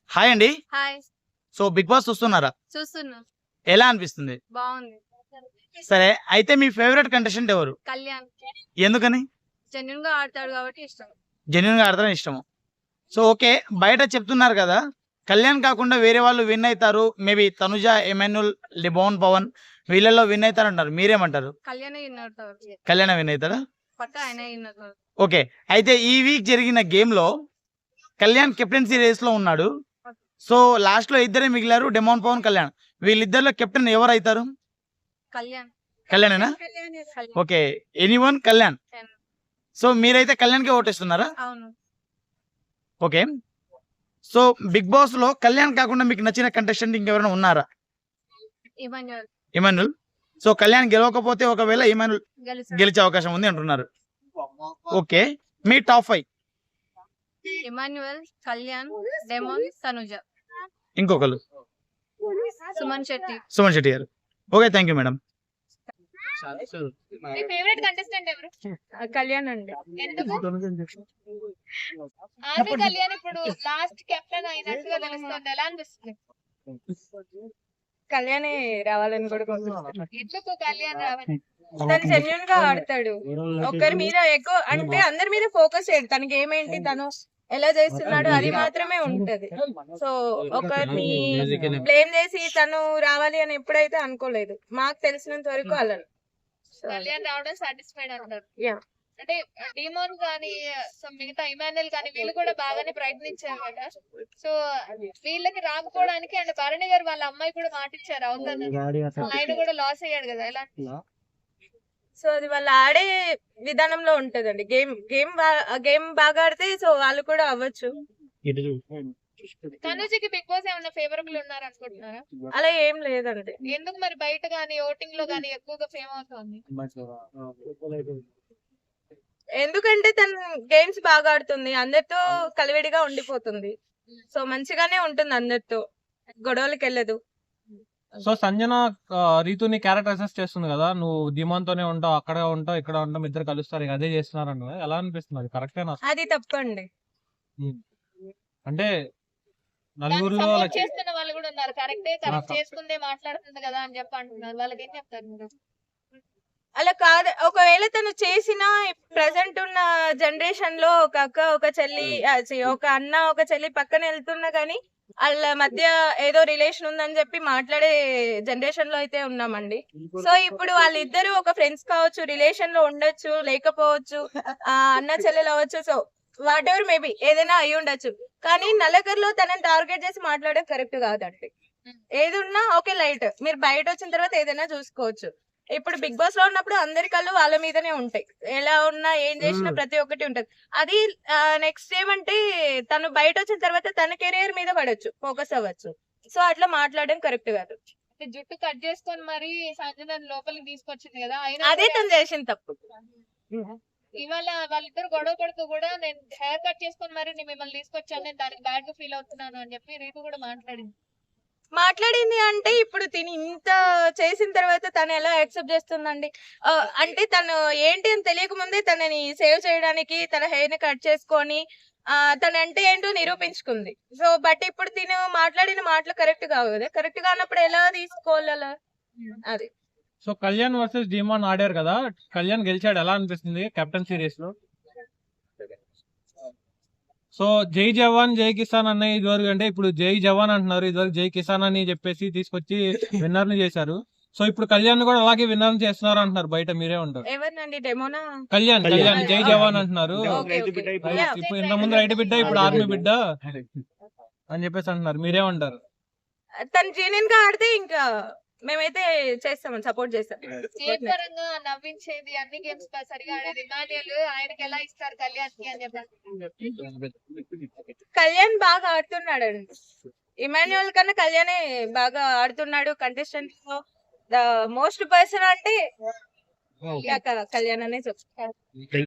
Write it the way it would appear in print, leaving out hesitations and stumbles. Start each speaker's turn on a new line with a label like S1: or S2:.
S1: Hi అండి.
S2: Hi.
S1: So 'big boss' చూస్తున్నారా?
S2: చూస్తున్నా.
S1: ఎలా అనిపిస్తుంది?
S2: బావుంది.
S1: సరే అయితే మీ ఫేవరెట్ కంటెస్టెంట్ ఎవరు?
S2: కళ్యాణ్.
S1: ఎందుకని?
S2: జెన్యూన్‌గా ఆడతాడు కాబట్టి ఇష్టం.
S1: జెన్యూన్‌గా ఆడతారని ఇష్టము. So okay. బయట చెప్తున్నారు కదా! కళ్యాణ్ కాకుండా వేరే వాళ్ళు విన్ అయితారు. మేబీ తనుజ, ఎమాన్యూల్, లిబోన్ పవన్ వీళ్ళలో విన్ అయితారంటారు. మీరేమంటారు?
S2: కళ్యాణే విన్ అవుతాడు.
S1: కళ్యాణ్ విన్ అయితాడా?
S2: పక్కా ఆయనే విన్ అవుతాడు.
S1: ఓకే. అయితే ఈ వీక్ జరిగిన గేమ్‌లో కళ్యాణ్ కెప్టెన్సీ రేస్‌లో ఉన్నాడు. సో లాస్ట్‌లో ఇద్దరే మిగిలారు. డెమోన్ పవన్, కళ్యాణ్. వీళ్ళిద్దరిలో కెప్టెన్ ఎవరైతారు?
S2: కళ్యాణ్.
S1: కళ్యాణేనా?
S2: Kalyan.
S1: Okay. Anyone Kalyan. So మీరైతే కళ్యాణ్‌కే ఓటేస్తున్నారా?
S2: అవును.
S1: ఓకే. సో 'బిగ్ బాస్‌లో' కళ్యాణ్ కాకుండా మీకు నచ్చిన కంటెస్టెంట్ ఇంకెవరైనా ఉన్నారా?
S2: ఇమాన్యుయల్
S1: ఇమాన్యూల్. సో కళ్యాణ్ గెలవకపోతే ఒకవేళ ఇమాన్యూల్
S2: గెలుస్తాడు.
S1: గెలిచే అవకాశం ఉంది అంటున్నారు. ఓకే. మీ టాప్ 5
S2: ఇమాన్యుయల్, కళ్యాణ్, డెమోన్, తనుజ,
S1: ఇంకొకళ్ళు
S2: Suman Shetty.
S1: Suman Shetty garu. Okay. Thank you madam.
S3: మీ ఫేవరెట్ కంటెస్టెంట్ ఎవరు?
S2: కళ్యాణ్ అండి.
S3: ఎందుకు? ఆర్మీ కళ్యాణ్ ఇప్పుడు లాస్ట్ కెప్టెన్ అయినట్టుగా తెలుస్తుంది. ఎలా అనిపిస్తుంది?
S2: కళ్యాణే రావాలని కూడా కోరుకుంటున్నాను.
S3: ఎందుకు కళ్యాణ్ రావాలి?
S2: తను జెన్యూన్ గా ఆడతాడు. ఒకరి మీద ఎక్కువ అంటే అందరి మీద ఫోకస్ చేయడు. తనకి ఏమేంటి తను ఎలా చేస్తున్నాడు అది మాత్రమే ఉంటది. సో ఒకరిని బ్లేమ్ చేసి తను రావాలి అని ఎప్పుడైతే అనుకోలేదు. మాకు తెలిసినంత వరకు అలా.
S3: కళ్యాణ్ రావడం సాటిస్ఫైడ్ అంటారు.
S2: యా.
S3: అంటే డిమోన్ కానీ మిగతా ఇమాన్యుల్ కానీ వీళ్ళు కూడా బాగానే ప్రయత్నించారు కదా. సో వీళ్ళకి రాకపోవడానికి అండ్ భరణి గారు వాళ్ళ అమ్మాయి కూడా మాటిచ్చారు అవుతుంది. ఆయన కూడా లాస్ అయ్యాడు కదా. ఎలా?
S2: సో అది వాళ్ళు ఆడే విధానంలో ఉంటదండి. గేమ్ బాగా ఆడితే సో వాళ్ళు కూడా అవ్వచ్చు.
S3: తనుజకి బిగ్ బాస్ ఏమన్నా ఫేవరబుల్ ఉన్నారు అనుకుంటున్నారా?
S2: అలా ఏం లేదండి.
S3: ఎందుకు మరి బయట గానీ ఓటింగ్ లో గానీ ఎక్కువగా ఫేమ్ అవుతుంది?
S2: ఎందుకంటే తను గేమ్స్ బాగా ఆడుతుంది. అందరితో కలివిడిగా ఉండిపోతుంది. సో మంచిగానే ఉంటుంది అందరితో. గొడవలకి వెళ్ళదు.
S4: సో సంజన రీతుని క్యారెక్టర్ అసెస్ చేస్తుంది కదా, నువ్వు ధీమాన్ తోనే ఉంటావు, అక్కడ ఉంటావు, ఇక్కడ ఉంటాం, ఇద్దరు కలుస్తారు, ఇక అదే చేస్తున్నారు అన్న ఎలా అనిపిస్తుంది? అది కరెక్టేనా?
S2: అది తప్పండి.
S4: అంటే
S3: దాన్ని
S4: నలుగురిలో
S3: సపోర్ట్ చేస్తున్న వాళ్ళు కూడా ఉన్నారు. కరెక్టే, కరెక్ట్ చేసుకుందే మాట్లాడుతుంది కదా అని చెప్పి అంటున్నారు. వాళ్ళకి ఏం చెప్తారు మీరు?
S2: అలా కాదు. ఒకవేళ తను చేసిన ప్రెసెంట్ ఉన్న జనరేషన్ లో ఒక అక్క ఒక చెల్లి ఒక అన్న ఒక చెల్లి పక్కన వెళ్తున్నా గానీ వాళ్ళ మధ్య ఏదో రిలేషన్ ఉందని చెప్పి మాట్లాడే జనరేషన్ లో అయితే ఉన్నామండి. సో ఇప్పుడు వాళ్ళిద్దరు ఒక ఫ్రెండ్స్ కావచ్చు, రిలేషన్ లో ఉండొచ్చు, లేకపోవచ్చు, అన్న చెల్లెలు అవ్వచ్చు. సో వాట్ ఎవర్ మేబీ ఏదైనా అయి ఉండొచ్చు. కానీ నల్లగర్లో తనని టార్గెట్ చేసి మాట్లాడడం కరెక్ట్ కాదండి. ఏది ఉన్నా ఓకే లైట్, మీరు బయట వచ్చిన తర్వాత ఏదైనా చూసుకోవచ్చు. ఇప్పుడు బిగ్ బాస్ లో ఉన్నప్పుడు అందరి కళ్ళు వాళ్ళ మీదనే ఉంటాయి. ఎలా ఉన్నా ఏం చేసినా ప్రతి ఒక్కటి ఉంటది. అది నెక్స్ట్ ఏమంటే తను బయట వచ్చిన తర్వాత తన కెరీర్ మీద పడొచ్చు, ఫోకస్ అవ్వచ్చు. సో అట్లా మాట్లాడడం కరెక్ట్ కాదు.
S3: జుట్టు కట్ చేసుకొని మరి సంజన లోపలికి తీసుకొచ్చింది కదా.
S2: అదే తను చేసిన తప్పు.
S3: ఇవాళ వాళ్ళిద్దరు గొడవ పడుతూ కూడా నేను హెయిర్ కట్ చేసుకొని మరి నేను మిమ్మల్ని తీసుకొచ్చాను, నేను దానికి బ్యాడ్ గా ఫీల్ అవుతున్నాను అని చెప్పి రీతు కూడా
S2: మాట్లాడింది అంటే ఇప్పుడు తిని ఇంత చేసిన తర్వాత తను ఎలా యాక్సెప్ట్ చేస్తుందండి? అంటే తను ఏంటి అని తెలియక ముందే తనని సేవ్ చేయడానికి తన హెయిర్ ని కట్ చేసుకొని తనంటే ఏంటో నిరూపించుకుంది. సో బట్ ఇప్పుడు తిను మాట్లాడిన మాటలు కరెక్ట్ కావు కదా. కరెక్ట్ కానప్పుడు ఎలా తీసుకోవాలి అలా? అది.
S4: సో కళ్యాణ్ వర్సెస్ ధీమాన్ ఆడారు కదా, కళ్యాణ్ గెలిచాడు, ఎలా అనిపిస్తుంది కెప్టెన్ సిరీస్ లో? సో జై జవాన్ జై కిసాన్ అన్న ఇదివరకు, అంటే ఇప్పుడు జై జవాన్ అంటున్నారు, ఇదివరకు జై కిసాన్ అని చెప్పేసి తీసుకొచ్చి విన్నర్ ని చేశారు. సో ఇప్పుడు కళ్యాణ్ కూడా అలాగే విన్నర్ చేస్తున్నారు అంటున్నారు బయట, మీరే ఉంటారు?
S2: ఎవరినండి? డెమోనా?
S4: కళ్యాణ్ జై జవాన్ అంటున్నారు.
S2: Yeah.
S4: ఇప్పుడు ఇంత ముందు రైతు బిడ్డ, ఇప్పుడు ఆర్మీ బిడ్డ అని చెప్పేసి అంటున్నారు, మీరే ఉంటారు?
S2: తను జెన్యూన్ గా ఆడితే ఇంకా మేమైతే చేస్తామని సపోర్ట్ చేస్తాం.
S3: గేమ్ పరంగా నవ్వించేది, అన్ని గేమ్స్ సరిగా ఆడేది ఇమాన్యుయల్, ఆయనకి ఎలా ఇస్తారు కళ్యాణ్ కి అని చెప్పి?
S2: కళ్యాణ్ బాగా ఆడుతున్నాడు. ఇమాన్యుయల్ కన్నా కళ్యాణే బాగా ఆడుతున్నాడు. కంటెస్టెంట్ లో ద మోస్ట్ పర్సన్ అంటే కళ్యాణ్ అనే చెప్తారు.